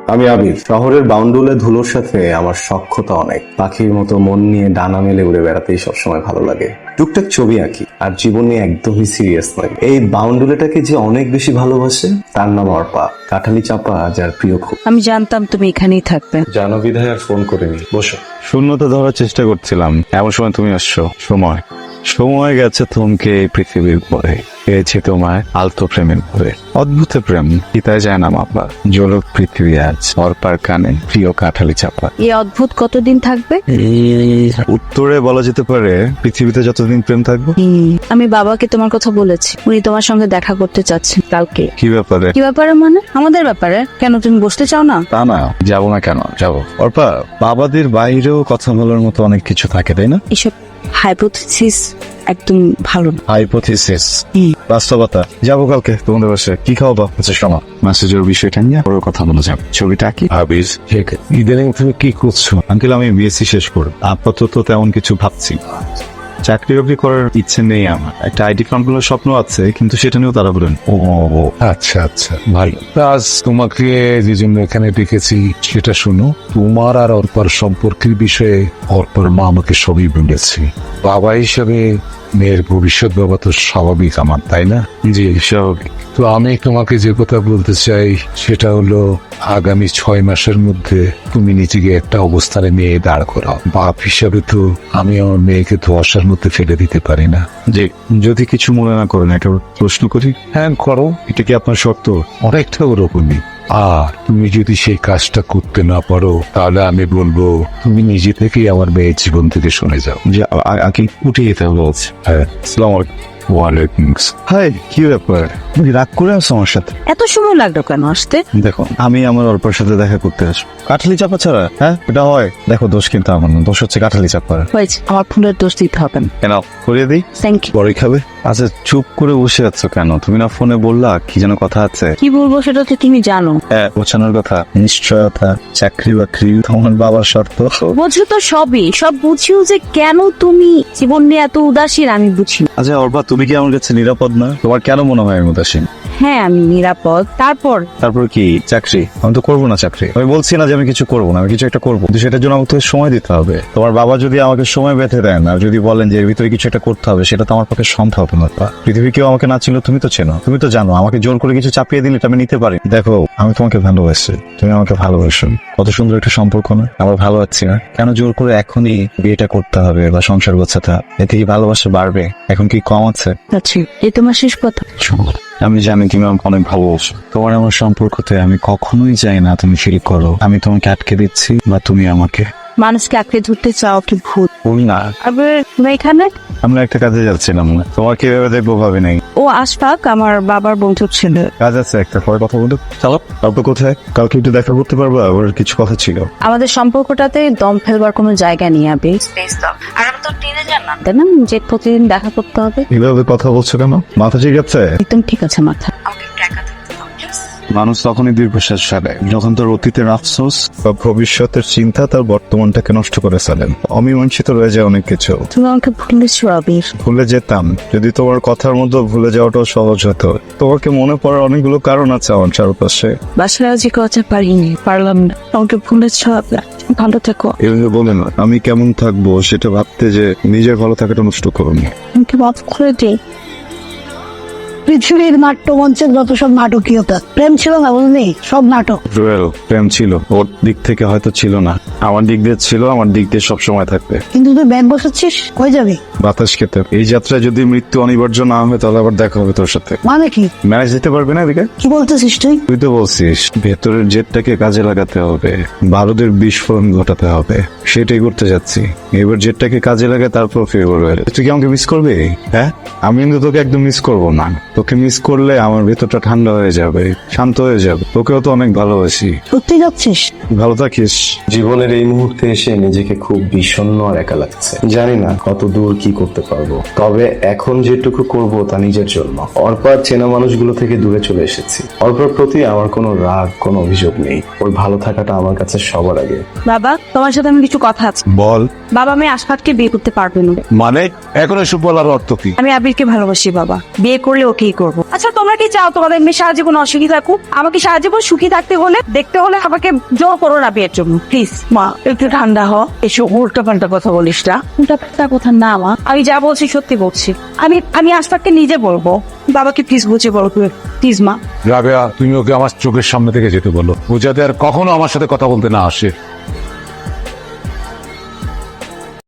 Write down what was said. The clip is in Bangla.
আমি আবির। শহরের বাউন্ডুলে ধুলোর সাথে আমার সখ্যতা অনেক। পাখির মতো মন নিয়ে ডানা মেলে উড়ে বেড়াতেই সবসময় ভালো লাগে। টুকটাক ছবি আঁকি, আর জীবন নিয়ে একদমই সিরিয়াস নয়। এই বাউন্ডুলেটাকে যে অনেক বেশি ভালোবাসে তার নাম অর্পা। কাঠালি চাপা যার প্রিয় খুব। আমি জানতাম তুমি এখানেই থাকবে। জানো বিধায় আর ফোন করিনি। বসো। শূন্যতা ধরার চেষ্টা করছিলাম, এমন সময় তুমি আসছো। সময় গেছে থমকে এই পৃথিবীর পরে, পেয়েছে তোমায় আলতো প্রেমের পরে। অদ্ভুত প্রেম পিতায় যায় না মাপা, জলক পৃথিবী আজ অর্পার কানে প্রিয় কাঠালি চাপা। এই অদ্ভুত কতদিন থাকবে? উত্তরে বলা যেতে পারে পৃথিবীতে যতদিন প্রেম থাকবে। আমি বাবাকে তোমার কথা বলেছি, উনি তোমার সঙ্গে দেখা করতে চাচ্ছেন কালকে। কি ব্যাপারে? কি ব্যাপারে মানে? আমাদের ব্যাপারে। কেন তুমি বসতে চাও না? তা না, যাবো না কেন? যাবো। অর্পা, বাবাদের বাইরেও কথা বলার মতো অনেক কিছু থাকে, তাই না? এসব হাইপোথিসিস একদম ভালো না। হাইপোথিসিস, বাস্তবতা। যাবো কালকে তোমাদের বাসায়। কি খাওয়াবা? আচ্ছা শোনো, মেসেজের বিষয়টা নিয়ে পরে কথা বলা যাবে। ছবিটা কি ভাবিস? ইদানিং তুমি কি করছো? আঙ্কেল, আমি বিএসসি শেষ করব, আপাতত তেমন কিছু ভাবছি। চাকরি বাকরি করার ইচ্ছে নেই আমার। একটা আইটি ফার্ম গুলোর স্বপ্ন আছে, কিন্তু সেটা নিয়েও তারা বলেন। ও আচ্ছা আচ্ছা, ভালো। আজ তোমাকে যে জন্য এখানে ডেকেছি সেটা শোনো। তোমার আর অর্পার সম্পর্কের বিষয়ে অর্পার মা আমাকে সবই বলেছে। বাবা হিসেবে মেয়ের ভবিষ্যৎ বাবা তো স্বাভাবিক আমার, তাই না? জি স্বাভাবিক। তো আমি তোমাকে যে কথা বলতে চাই সেটা হলো, আগামী 6 মাসের মধ্যে তুমি নিজেকে একটা অবস্থানে নিয়ে দাঁড় করাও। বাপ হিসাবে তো আমি আমার মেয়েকে ধোঁয়াশার মধ্যে ফেলে দিতে পারি না। জি, যদি কিছু মনে না করেন একটা প্রশ্ন করি। হ্যাঁ করো, এটা কি আপনার শর্ত? অনেকটা ওরকমই। আর তুমি যদি সেই কাজটা করতে না পারো তাহলে আমি বলবো তুমি নিজে থেকেই আমার মেয়ের জীবন থেকে সরে যাও। যে আগে উঠে যেতে বলছে। হ্যাঁ, আসসালামু আলাইকুম। ওয়ালাইকুম আসসালাম। হাই, কি ব্যাপার? তুমি রাগ করে আসছো আমার সাথে? এত সময় লাগলো কেন আসতে? দেখো, আমি আমার অল্পের সাথে দেখা করতে আসবো। কাঠালি চাপা ছাড়া হ্যাঁ এটা হয়? দেখো, দোষ কিন্তু আমার না, দোষ হচ্ছে কাঠালি চাপার। হয়েছে, আমার ফুলের দোষ দিতে হবে না। কেন করিয়ে দিই? Thank you. পরে খাবে? আচ্ছা, চুপ করে বসে আছো কেন? তুমি না ফোনে বললা কি যেন কথা আছে? কি বলবো সেটা তো তুমি জানো। হ্যাঁ, গোছানোর কথা, নিশ্চয়তা, চাকরি বাকরি, তোমার বাবার শর্ত। বোঝো তো সবই, সব বুঝিও যে কেন তুমি জীবন নিয়ে এত উদাসীন আমি বুঝি না। আচ্ছা অর্পা, তুমি কি আমার কাছে নিরাপদ না? তোমার কেন মনে হয় আমি উদাসীন? হ্যাঁ আমি নিরাপদ। তারপর কি চাকরি? আমি তো করবো না চাকরি। আমি বলছি না যে আমি কিছু করবো না, আমি কিছু একটা করবো, কিন্তু সেটার জন্য আমাকে তো সময় দিতে হবে। তোমার বাবা যদি আমাকে সময় বেঁধে দেন আর যদি বলেন যে এর ভিতরে কিছু একটা করতে হবে, সেটা তো আমার পক্ষে সম্ভব না। পৃথিবী কেউ আমাকে না ছিল, তুমি তো চেনো, তুমি তো জানো আমাকে জোর করে কিছু চাপিয়ে দিলে এটা আমি নিতে পারি। দেখো, আমি তোমাকে ভালোবাসি, তুমি আমাকে ভালোবাসো। কত সুন্দর একটা সম্পর্ক না? আমার ভালো লাগছে না, কেন জোর করে এখনই বিয়েটা করতে হবে বা সংসার গোছাতে হবে? এতে কি ভালোবাসা বাড়বে? এখন কি কম আছে? আচ্ছা, এই তোমার শেষ কথা। আমি জানি তুমি আমাকে অনেক ভালোবাসো। তোমার আমার সম্পর্কতে আমি কখনোই চাই না তুমি ফিল করো আমি তোমাকে আটকে দিচ্ছি বা তুমি আমাকে। মানুষকে আঁকড়ে ধরতে চাও কি ভূত? ভুল না। আবার তুমি এখানে? আমরা একটা কাজে যাচ্ছিলাম না, তোমার কিভাবে দেখবো ভাবে নাই। ও আশফাক, আমার বাবার বন্ধুর ছেলে। কাজ আছে একটা, পরে কথা বলতে। চলো। তারপর কোথায়? কালকে একটু দেখা করতে পারবা? আবার কিছু কথা ছিল। আমাদের সম্পর্কটাতে দম ফেলবার কোনো জায়গা নেই আবে। স্পেস দাও। আর আমি তো টিনেজার না, তাই না যে প্রতিদিন দেখা করতে হবে। এভাবে কথা বলছো কেন? মাথা ঠিক আছে? একদম ঠিক আছে মাথা। আমাকে একটু একা থাকতে দাও প্লিজ। মানুষ তখনই দীর্ঘশ্বাস ফেলে যখন তার অতীতের আফসোস বা ভবিষ্যতের চিন্তা তার বর্তমানটাকে নষ্ট করে ফেলেন। অমীমাংসিত রয়ে যায় অনেক কিছু। তুমি আমাকে ভুলেছো আবির। ভুলে যেতাম যদি তোমার কথার মধ্যে ভুলে যাওয়াটাও সহজ হতো। তোমাকে মনে পড়ার অনেকগুলো কারণ আছে আমার চারপাশে। বাসায় আজ কথা পারলাম না। আমাকে ভুলেছো আবির। ভালো থেকো। এভাবে বলে না, আমি কেমন থাকবো সেটা ভাবতে যে নিজের ভালো থাকাটা নষ্ট করুন। আমাকে মাফ করে দে। পৃথিবীর নাট্যমঞ্চের যত সব নাটকীয়তা, প্রেম ছিল না, বুঝলি? সব নাটক। রুয়েল, প্রেম ছিল, ওর দিক থেকে হয়তো ছিল না, আমার দিক দিয়ে ছিল, আমার দিক দিয়ে সবসময় থাকবে। কিন্তু তুই ব্যাগ বসাচ্ছিস, কই যাবি? বাতাস খেতে। এই যাত্রায় যদি মৃত্যু অনিবার্য না হয় তাহলে আবার দেখা হবে তোর সাথে। মানে কি? ম্যানেজ দিতে পারবে না এদিকে? কি বলতেছিস তুই? তুই তো বলছিস ভেতরের জেটটাকে কাজে লাগাতে হবে, বারুদের বিস্ফোরণ ঘটাতে হবে, সেটাই করতে যাচ্ছি। এবার জেটটাকে কাজে লাগে তারপর ফেভার। তুই কি আমাকে মিস করবি? হ্যাঁ, আমি কিন্তু তোকে একদম মিস করবো না। তোকে মিস করলে আমার ভেতরটা ঠান্ডা হয়ে যাবে, শান্ত হয়ে যাবে। তোকেও তো অনেক ভালোবাসি। সত্যি যাচ্ছিস? ভালো থাকিস। জীবনের জীবনের এই মুহূর্তে এসে নিজেকে খুব বিষণ্ণ আর একা লাগছে। জানি না কত দূর কি করতে পারবো, তবে এখন যেটুকু করব তা নিজের জন্য। অর্পার চেনা মানুষগুলো থেকে দূরে চলে এসেছি। অর্পার প্রতি আমার কোনো রাগ, কোনো অভিযোগ নেই। ওর ভালো থাকাটা আমার কাছে সবার আগে। বাবা, তোমার সাথে আমি কিছু কথা আছে। বল। বাবা, আমি আশফাককে বিয়ে করতে পারবো না। মানে এখন এসব বলার অর্থ কি? আমি আবিরকে ভালোবাসি বাবা, বিয়ে করলে ওকেই করবো। আচ্ছা, তোমরা কি চাও তোমাদের মেয়ে সারা জীবন অসুখী থাকুক? আমাকে সারা জীবন সুখী থাকতে হলে, দেখতে হলে আমাকে জোর করো না বিয়ের জন্য, প্লিজ। মা একটু ঠান্ডা হ, এসব উল্টা পাল্টা কথা বলিস না। উল্টা পাল্টা কথা না মা, আমি যা বলছি সত্যি বলছি। আমি আশফাককে নিজে বলবো। বাবাকে প্লিজ বুঝে বলো, প্লিজ মা। রাবেয়া, তুমি ওকে আমার চোখের সামনে থেকে যেতে বলো, ও যাতে আর কখনো আমার সাথে কথা বলতে না আসে।